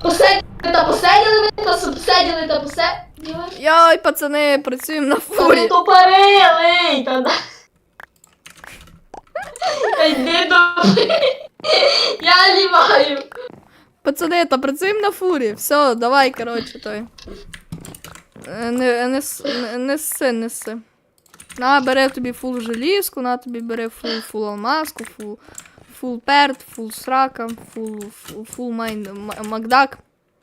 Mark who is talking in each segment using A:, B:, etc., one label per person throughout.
A: посиділи.
B: Йой, пацани, працюємо на
A: Та
B: фурі.
A: не тупорили, та да. Та йди до... Я ліваю.
B: Пацани, та працюємо на фурі. Все, давай, коротше, той. Неси. На, бери тобі фул желізку, на тобі бери фул алмазку, фул перт, фул срака, фул макдак.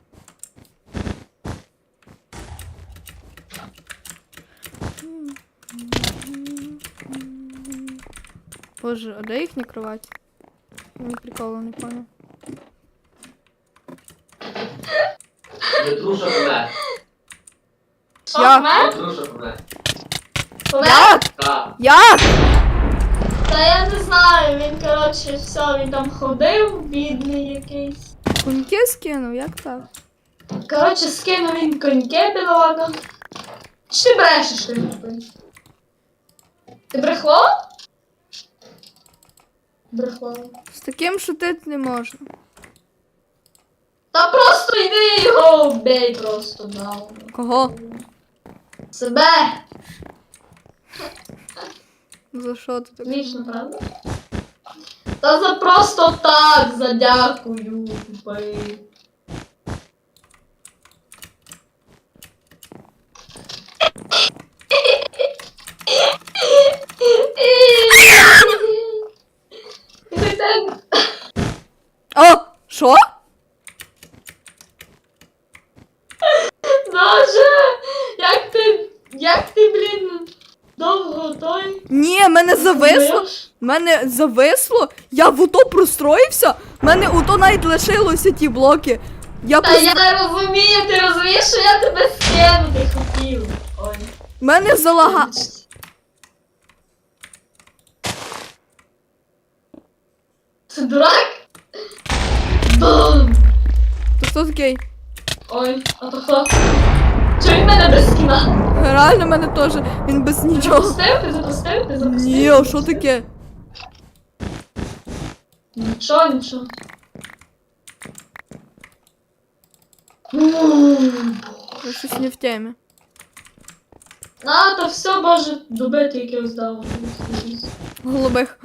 B: Боже, а де їхня кровать? Мені приколу не понял.
C: Петруша помер.
A: Що,
B: Я-
A: помер?
C: Петруша помер.
A: Помер?
B: Як?
C: Так.
B: Як?
A: Та я не знаю, він, коротше, все, він там ходив, бідний якийсь.
B: Коньки скинув, як так?
A: Коротше, скинув він коньки, бідолага. Чи ти брешеш, ти не Ти брехло? Брехло.
B: З таким шутити не можна.
A: Та просто йди його вбей просто, да.
B: Кого?
A: Себе!
B: За що ти так?
A: Смішно, правда? Та за просто так, за дякую, тупий.
B: О! Що?
A: Боже, як ти, блін, довго той?
B: Ні, мене зависло.
A: Знаєш?
B: Мене зависло. Я в ото простроївся. Мене ото навіть лишилося ті блоки. Я
A: Та
B: просто...
A: я розумію, ти розумієш, що я тебе скинути хотів. Ой.
B: Мене залага...
A: Це дурак? Бум!
B: То хто такий?
A: Ой, а то хто? Чого він мене без скіна?
B: Реально мене теж. Він без
A: Ти
B: нічого.
A: запустив? Ти запустив? Ти запустив?
B: Ні, а що таке?
A: Нічого, нічого.
B: Я щось не в темі.
A: А, то все, боже, добити якихось дав.
B: Голубих.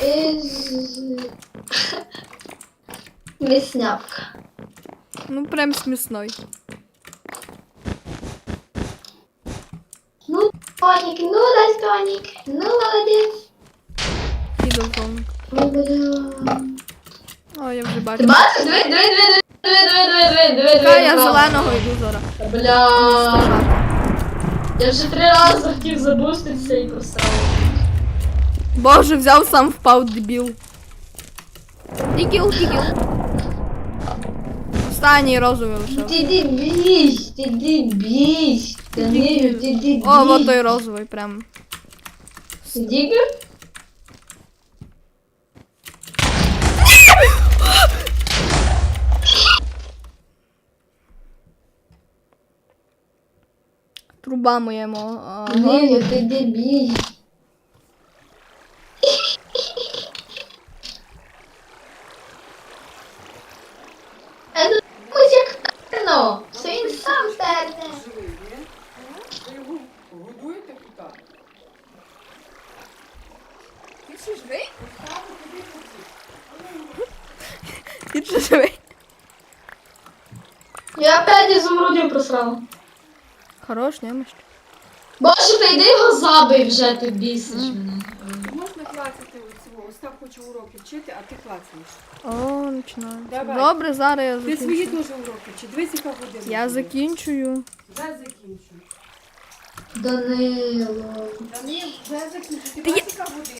A: Міснявка.
B: Ну прям смісной.
A: Ну, Тоник, ну да, Тоник. Ну, молодець.
B: Ідолтовник. О, я вже
A: Ти
B: бачу.
A: бачиш? Диви.
B: Та я зеленого йду зараз.
A: Бля. Я вже 3 рази хотів забуститися і просрав.
B: Боже, взяв сам впав, дебіл. Дігіл. Останній розовий лишив.
A: Ти дебіж. Данилю, ти дебіж.
B: О, вот той розовий прям.
A: Ти дігер?
B: Труба моєму. Ага.
A: Данилю, ти дебіж. Ось як терно. Це він сам терне.
D: Ви його годуєте тут?
B: Ти ще живий? Ти ще живий?
A: Я опять ізумрудів просрала.
B: Хорош, немощ.
A: Боже, та йди його забий вже, ти бісиш мене.
D: Можна клацати оцього. Остап хоче уроки вчити, а ти клацаєш.
B: О, починаю.
D: Давай.
B: Добре, зараз я
D: Ти свої
B: закінчу.
D: теж уроки вчи. Дивись, яка година.
B: Я закінчую.
D: Вже закінчу.
A: Данило.
D: Та ні, вже закінчу. Ти
B: Та
D: бачиш, яка година?